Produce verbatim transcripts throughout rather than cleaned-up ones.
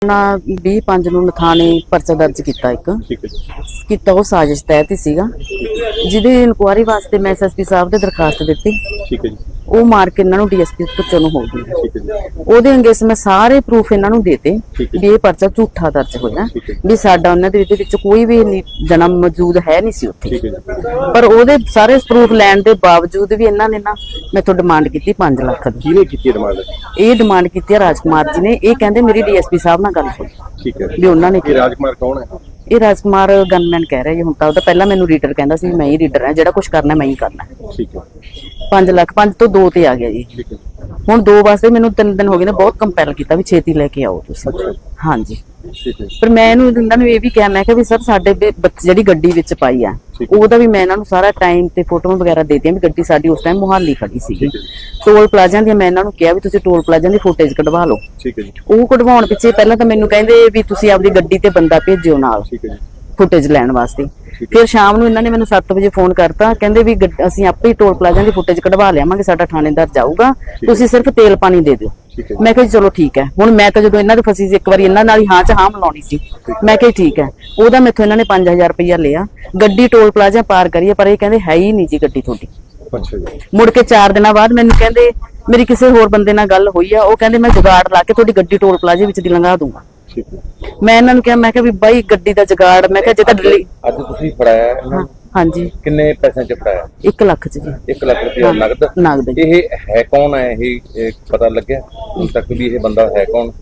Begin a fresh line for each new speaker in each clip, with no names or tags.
ਨਾ ਵੀਹ ਪੰਜ ਨੂੰ ਨਥਾਣੇ ਪਰਚਾ ਦਰਜ ਕੀਤਾ ਇੱਕ
ਠੀਕ ਹੈ ਜੀ।
ਕੀਤਾ ਉਹ ਸਾਜ਼ਿਸ਼ ਤਹਿਤ ਹੀ ਸੀਗਾ, ਜਿਹਦੀ ਇਨਕੁਆਇਰੀ ਵਾਸਤੇ ਮੈਂ ਐਸਐਸਪੀ ਸਾਹਿਬ ਦੇ ਦਰਖਾਸਤ ਦਿੱਤੀ।
ਠੀਕ ਹੈ ਜੀ।
ਉਹ ਮਾਰ ਕੇ ਇਹਨਾਂ ਨੂੰ ਡੀਐਸਪੀ ਪੁੱਛੋ ਨੂੰ ਹੋ ਗਈ।
ਠੀਕ ਹੈ ਜੀ।
ਉਹਦੇ ਅੰਗੇਸ ਮੈਂ ਸਾਰੇ ਪ੍ਰੂਫ ਇਹਨਾਂ ਨੂੰ ਦੇਤੇ
ਠੀਕ ਹੈ।
ਵੀ ਇਹ ਪਰਚਾ ਝੂਠਾ ਦਰਜ ਹੋਇਆ,
ਠੀਕ ਹੈ।
ਵੀ ਸਾਡਾ ਉਹਨਾਂ ਦੇ ਵਿੱਚ ਵਿੱਚ ਕੋਈ ਵੀ ਨਹੀਂ ਜਨਮ ਮੌਜੂਦ ਹੈ ਨਹੀਂ ਸੀ ਉੱਥੇ।
ਠੀਕ ਹੈ ਜੀ।
ਪਰ ਉਹਦੇ ਸਾਰੇ ਪ੍ਰੂਫ ਲੈਣ ਦੇ ਬਾਵਜੂਦ ਵੀ ਇਹਨਾਂ ਨੇ ਨਾ ਮੈਥੋਂ ਡਿਮਾਂਡ ਕੀਤੀ ਪੰਜ ਲੱਖ ਦੀ।
ਕਿਹਨੇ ਕੀਤੀ ਡਿਮਾਂਡ?
ਇਹ ਡਿਮਾਂਡ ਕੀਤੀ ਹੈ ਰਾਜਕੁਮਾਰ ਜੀ ਨੇ। ਇਹ ਕਹਿੰਦੇ ਮੇਰੀ ਡੀਐਸਪੀ ਸਾਹਿਬ ਨਾਲ ਗੱਲ ਹੋਈ
ਠੀਕ ਹੈ
ਵੀ ਉਹਨਾਂ ਨੇ
ਇਹ ਰਾਜਕੁਮਾਰ ਕੌਣ ਹੈ?
ਇਹ ਰਾਜਕੁਮਾਰ ਗਨਮੈਨ ਕਹਿ ਰਿਹਾ ਜੀ ਹੁਣ ਤਾਂ। ਉਹਦਾ ਪਹਿਲਾਂ ਮੈਨੂੰ ਰੀਡਰ ਕਹਿੰਦਾ ਸੀ ਮੈਂ ਹੀ ਰੀਡਰ ਹਾਂ, ਜਿਹੜਾ ਕੁਝ ਕਰਨਾ ਮੈਂ ਹੀ ਕਰਨਾ।
ਠੀਕ ਹੈ।
ਪੰਜ ਲੱਖ ਪੰਜ ਤੋਂ ਦੋ ਤੇ ਆ ਗਿਆ ਜੀ।
ਠੀਕ ਹੈ।
ਹੁਣ ਦੋ ਵਾਸਤੇ ਮੈਨੂੰ ਤਿੰਨ ਦਿਨ ਹੋ ਗਏ ਨੇ, ਬਹੁਤ ਕੰਪੈਲ ਕੀਤਾ ਵੀ ਛੇਤੀ ਲੈ ਕੇ ਆਓ ਤੁਸੀਂ। ਹਾਂਜੀ।
ਠੀਕ ਹੈ।
ਪਰ ਮੈਂ ਇਹਨੂੰ ਇਹਨਾਂ ਨੂੰ ਇਹ ਵੀ ਕਿਹਾ, ਮੈਂ ਕਿਹਾ ਵੀ ਸਰ ਸਾਡੇ ਵੀ ਬੱਚੇ ਜਿਹੜੀ ਗੱਡੀ ਵਿੱਚ ਪਾਈ ਆ ਉਹਦਾ ਵੀ ਮੈਂ ਇਹਨਾਂ ਨੂੰ ਸਾਰਾ ਟਾਈਮ ਤੇ ਫੋਟੋਆਂ ਵਗੈਰਾ ਦੇ ਦਿੱਤੀਆਂ ਵੀ ਗੱਡੀ ਸਾਡੀ ਉਸ ਟਾਈਮ ਮੁਹਾਲੀ ਖੜੀ ਸੀਗੀ। ਟੋਲ ਪਲਾਜ਼ਿਆਂ ਦੀ ਮੈਂ ਇਹਨਾਂ ਨੂੰ ਕਿਹਾ ਵੀ ਤੁਸੀਂ ਟੋਲ ਪਲਾਜ਼ਿਆਂ ਦੀ ਫੁਟੇਜ ਕਢਵਾ ਲਓ।
ਠੀਕ ਹੈ ਜੀ।
ਉਹ ਕਢਵਾਉਣ ਪਿੱਛੇ ਪਹਿਲਾਂ ਤਾਂ ਮੈਨੂੰ ਕਹਿੰਦੇ ਵੀ ਤੁਸੀਂ ਆਪਦੀ ਗੱਡੀ ਤੇ ਬੰਦਾ ਭੇਜਿਓ ਨਾਲ
ਠੀਕ ਹੈ ਜੀ।
ਫੁਟੇਜ ਲੈਣ ਵਾਸਤੇ। ਫਿਰ ਸ਼ਾਮ ਨੂੰ ਇਹਨਾਂ ਨੇ ਮੈਨੂੰ ਸੱਤ ਵਜੇ ਫੋਨ ਕਰਤਾ, ਕਹਿੰਦੇ ਵੀ ਅਸੀਂ ਆਪੇ ਹੀ ਟੋਲ ਪਲਾਜ਼ਿਆਂ ਦੀ ਫੁਟੇਜ ਕਢਵਾ ਲਿਆਵਾਂਗੇ, ਸਾਡਾ ਥਾਣੇਦਾਰ ਜਾਊਗਾ, ਤੁਸੀਂ ਸਿਰਫ ਤੇਲ ਪਾਣੀ ਦੇ ਦਿਓ। ਮੈਂ ਕਿਹਾ ਚਲੋ ਠੀਕ ਹੈ। ਹੁਣ ਮੈਂ ਤਾਂ ਜਦੋਂ ਇਹਨਾਂ ਦੇ ਫਸੀ ਸੀ ਇੱਕ ਵਾਰੀ ਇਹਨਾਂ ਨਾਲ ਹੀ ਹਾਂ ਚ ਹਾਂ ਮਿਲਾਉਣੀ ਸੀ। ਮੈਂ ਕਿਹਾ ਠੀਕ ਹੈ। ਉਹਦਾ ਮੈਥੋਂ ਇਹਨਾਂ ਨੇ ਪੰਜ ਹਜ਼ਾਰ ਰੁਪਇਆ ਲਿਆ, ਗੱਡੀ ਟੋਲ ਪਲਾਜ਼ਾ ਪਾਰ ਕਰੀਏ, ਪਰ ਇਹ ਕਹਿੰਦੇ ਹੈ ਹੀ ਨਹੀਂ ਜੀ ਗੱਡੀ ਤੁਹਾਡੀ।
ਅੱਛਾ ਜੀ।
ਮੁੜ ਕੇ ਚਾਰ ਦਿਨਾਂ ਬਾਅਦ ਮੈਨੂੰ ਕਹਿੰਦੇ ਮੇਰੀ ਕਿਸੇ ਹੋਰ ਬੰਦੇ ਨਾਲ ਗੱਲ ਹੋਈ ਆ, ਉਹ ਕਹਿੰਦੇ ਮੈਂ ਜੁਗਾੜ ਲਾ ਕੇ ਤੁਹਾਡੀ ਗੱਡੀ ਟੋਲ ਪਲਾਜ਼ੇ ਵਿੱਚ ਦੀ ਲੰਘਾ ਦੂੰਗਾ।
ਠੀਕ ਹੈ।
ਮੈਂ ਇਹਨਾਂ ਨੂੰ ਕਿਹਾ, ਮੈਂ ਕਿਹਾ ਵੀ ਬਾਈ ਗੱਡੀ ਦਾ ਜੁਗਾੜ, ਮੈਂ ਕਿਹਾ ਜੇ ਤਾਂ ਦਿੱਲੀ।
ਅੱਜ ਤੁਸੀਂ ਫੜਾਇਆ ਇਹਨਾਂ ਨੂੰ?
ਹਾਂਜੀ।
ਕਿੰਨੇ ਪੈਸਿਆਂ ਚ ਫੜਾਇਆ?
ਇੱਕ ਲੱਖ ਚ ਜੀ।
ਇੱਕ ਲੱਖ ਰੁਪਇਆ ਨਗਦ?
ਨਗਦ।
ਇਹ ਹੈ ਕੌਣ ਹੈ? ਇਹ ਇਹ ਪਤਾ ਲੱਗਿਆ ਹੁਣ ਤੱਕ ਵੀ ਇਹ ਬੰਦਾ ਹੈ ਕੌਣ?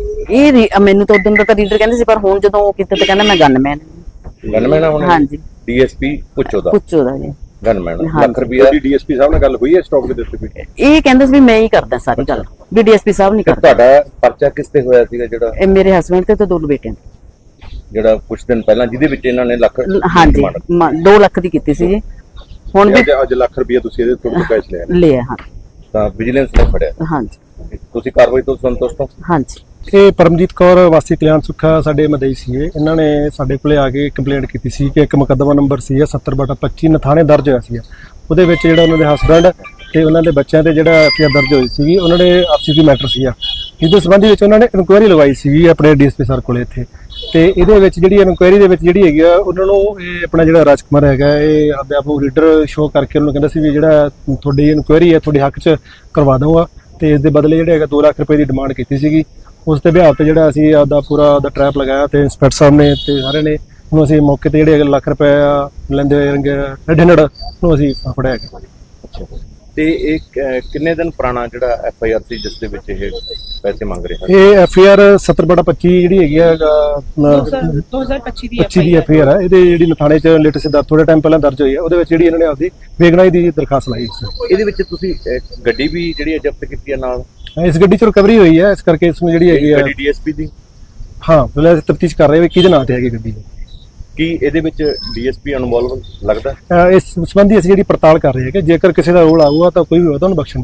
ਇਹ ਰੀ- ਮੈਨੂੰ ਤਾਂ ਉਦੋਂ ਦਾ ਤਾਂ ਰੀਡਰ ਕਹਿੰਦੇ ਸੀ, ਪਰ ਹੁਣ ਜਦੋਂ ਉਹ ਕਿਤੇ ਤਾਂ ਕਹਿੰਦਾ ਮੈਂ ਗਨਮੈਨ।
ਗਨਮੈਨ ਹੁਣ?
ਹਾਂਜੀ।
ਡੀਐਸਪੀ ਪੁੱਛੋ ਦਾ?
ਪੁੱਛੋ ਦਾ ਜੀ।
ਗਨਮੈਨ।
ਹਾਂਜੀ।
ਲੱਖ ਰੁਪਇਆ
ਤੁਹਾਡੀ ਡੀਐਸਪੀ ਸਾਹਿਬ ਨਾਲ ਗੱਲ ਹੋਈ ਹੈ ਸਟਾਕ ਦੇ ਉੱਤੇ?
ਇਹ ਕਹਿੰਦੇ ਸੀ ਵੀ ਮੈਂ ਹੀ ਕਰਦਾ ਸਾਰੀ ਗੱਲ, ਵੀ ਡੀਐਸਪੀ ਸਾਹਿਬ ਨਹੀਂ
ਤੇ
ਕਰਦਾ।
ਤੁਹਾਡਾ ਪਰਚਾ ਕਿਸ ਤੇ ਹੋਇਆ ਸੀਗਾ ਜਿਹੜਾ
ਇਹ ਮੇਰੇ ਹਸਬੰਡ ਤੇ ਤੇ ਦੋ ਬੇਟਿਆਂ ਤੇ।
ਜਿਹੜਾ ਕੁਝ ਦਿਨ ਪਹਿਲਾਂ ਜਿਹਦੇ ਵਿੱਚ ਇਹਨਾਂ ਨੇ ਲੱਖ
ਹਾਂਜੀ ਦੋ ਲੱਖ ਦੀ ਕੀਤੀ ਸੀ ਜੀ। ਹੁਣ ਵੀ
ਅੱਜ ਅੱਜ ਲੱਖ ਰੁਪਏ ਤੁਸੀਂ ਇਹਦੇ ਤੋਂ ਕੈਸ਼ ਲਿਆ?
ਲਿਆ। ਹਾਂ।
ਤਾਂ ਵਿਜੀਲੈਂਸ ਨੇ ਫੜਿਆ?
ਹਾਂਜੀ।
ਤੁਸੀਂ ਕਾਰਵਾਈ ਤੋਂ ਸੰਤੁਸ਼ਟ ਹੋ?
ਹਾਂਜੀ।
ਇਹ ਪਰਮਜੀਤ ਕੌਰ ਵਾਸੀ ਕਲਿਆਣ ਸੁੱਖਾ ਸਾਡੇ ਮਦਈ ਸੀ। ਇਹਨਾਂ ਨੇ ਸਾਡੇ ਕੋਲੇ ਆ ਕੇ ਕੰਪਲੇਂਟ ਕੀਤੀ ਸੀ ਕਿ ਇੱਕ ਮੁਕੱਦਮਾ ਨੰਬਰ ਸੀ ਸੱਤਰ ਬਟਾ ਪੱਚੀ ਨਥਾਣੇ ਦਰਜ ਹੋਇਆ ਸੀ। ਉਹਦੇ ਵਿੱਚ ਜਿਹੜਾ ਉਹਨਾਂ ਦੇ ਹਸਬੈਂਡ ਤੇ ਉਹਨਾਂ ਦੇ ਬੱਚਿਆਂ ਤੇ ਜਿਹੜਾ ਐਫ ਆਈ ਆਰ ਦਰਜ ਹੋਈ ਸੀ, ਉਹਨਾਂ ਦੇ ਆਪਸੀ ਦੀ ਮੈਟਰ ਸੀਗਾ, ਜਿਹਦੇ ਸੰਬੰਧੀ ਵਿੱਚ ਉਹਨਾਂ ਨੇ ਇਨਕੁਆਇਰੀ ਲਗਾਈ ਸੀ ਆਪਣੇ ਡੀਐਸਪੀ ਸਰ ਕੋਲੇ ਇੱਥੇ। ਤੇ ਇਹਦੇ ਵਿੱਚ ਜਿਹੜੀ ਇਨਕੁਆਇਰੀ ਦੇ ਵਿੱਚ ਜਿਹੜੀ ਹੈਗੀ ਆ, ਉਹਨਾਂ ਨੂੰ ਇਹ ਆਪਣਾ ਜਿਹੜਾ ਰਾਜਕੁਮਾਰ ਹੈਗਾ ਇਹ ਆਪਦੇ ਆਪ ਨੂੰ ਰੀਡਰ ਸ਼ੋਅ ਕਰਕੇ ਉਹਨੂੰ ਕਹਿੰਦਾ ਸੀ ਵੀ ਜਿਹੜਾ ਤੁਹਾਡੀ ਇਨਕੁਆਇਰੀ ਹੈ ਤੁਹਾਡੇ ਹੱਕ 'ਚ ਕਰਵਾ ਦਊਗਾ, ਤੇ ਇਸ ਦੇ ਬਦਲੇ ਜਿਹੜੇ ਹੈਗਾ ਦੋ ਲੱਖ ਰੁਪਏ ਦੀ ਡਿਮਾਂਡ ਕੀਤੀ ਸੀਗੀ। ਉਸ ਦੇ ਬਿਹਾਫ ਤੇ ਜਿਹੜਾ ਅਸੀਂ ਆਪਦਾ ਪੂਰਾ ਉਹਦਾ ਟਰੈਪ ਲਗਾਇਆ ਤੇ ਇੰਸਪੈਕਟਰ ਸਾਹਿਬ ਨੇ ਤੇ ਸਾਰੇ ਨੇ ਉਹਨੂੰ ਅਸੀਂ ਮੌਕੇ ਤੇ ਜਿਹੜੇ ਲੱਖ ਰੁਪਏ ਲੈਂਦੇ ਹੋਏ ਰੈਡ ਹੈਂਡਡ ਨੂੰ ਅਸੀਂ ਫੜਿਆ ਗਿਆ।
ਅੱਛਾ। ਤੇ ਇਹ ਕ- ਕਿੰਨੇ ਦਿਨ ਪੁਰਾਣਾ ਜਿਹੜਾ ਐਫ ਆਈ ਆਰ ਸੀ ਜਿਸ ਦੇ ਵਿੱਚ ਇਹ ਪੈਸੇ ਮੰਗ ਰਹੇ ਹਨ?
ਇਹ ਐਫ ਆਈ ਆਰ ਸੱਤਰ ਬਟਾ ਪੱਚੀ ਜਿਹੜੀ ਹੈਗੀ ਆ
ਦੋ ਹਜ਼ਾਰ ਪੱਚੀ ਦੀ
ਪੱਚੀ ਦੀ ਐਫ ਆਈ ਆਰ ਹੈ। ਇਹਦੇ ਜਿਹੜੀ ਨਥਾਣੇ ਚ ਲੇਟੈਸਟ ਥੋੜੇ ਟਾਈਮ ਪਹਿਲਾਂ ਦਰਜ ਹੋਈ ਹੈ, ਉਹਦੇ ਵਿੱਚ ਜਿਹੜੀ ਇਹਨਾਂ ਨੇ ਆਪਦੀ ਬੇਗਨਾਈ ਦੀ ਦਰਖਾਸਤ ਲਾਈ ਸੀ।
ਇਹਦੇ ਵਿੱਚ ਤੁਸੀਂ ਅਹ, ਗੱਡੀ ਵੀ ਜਿਹੜੀ ਹੈ ਜ਼ਬਤ ਕੀਤੀ ਹੈ ਨਾਲ?
ਇਸ ਗੱਡੀ ਚ ਰਿਕਵਰੀ ਹੋਈ ਹੈ, ਇਸ ਕਰਕੇ ਇਸ ਨੂੰ ਜਿਹੜੀ ਹੈਗੀ ਆ
ਗੱਡੀ ਡੀਐਸਪੀ ਦੀ?
ਹਾਂ ਫਿਲਹਾਲ ਤਫਤੀਸ਼ ਕਰ ਰਹੇ ਵੀ ਕਿਹਦੇ ਨਾਂ ਤੇ ਹੈਗੀ ਗੱਡੀ।
ਕੀ ਇਹਦੇ ਵਿੱਚ ਡੀਐਸਪੀ ਇਨਵੋਲਵ ਲੱਗਦਾ?
ਅਹ ਇਸ ਸੰਬੰਧੀ ਅਸੀਂ ਜਿਹੜੀ ਪੜਤਾਲ ਕਰ ਰਹੇ ਹਾਂ ਕਿ ਜੇਕਰ ਕਿਸੇ ਦਾ ਰੋਲ ਆਊਗਾ ਤਾਂ ਕੋਈ ਵੀ ਹੋਵੇ ਤਾਂ ਉਹਨੂੰ ਬਖਸ਼ਣ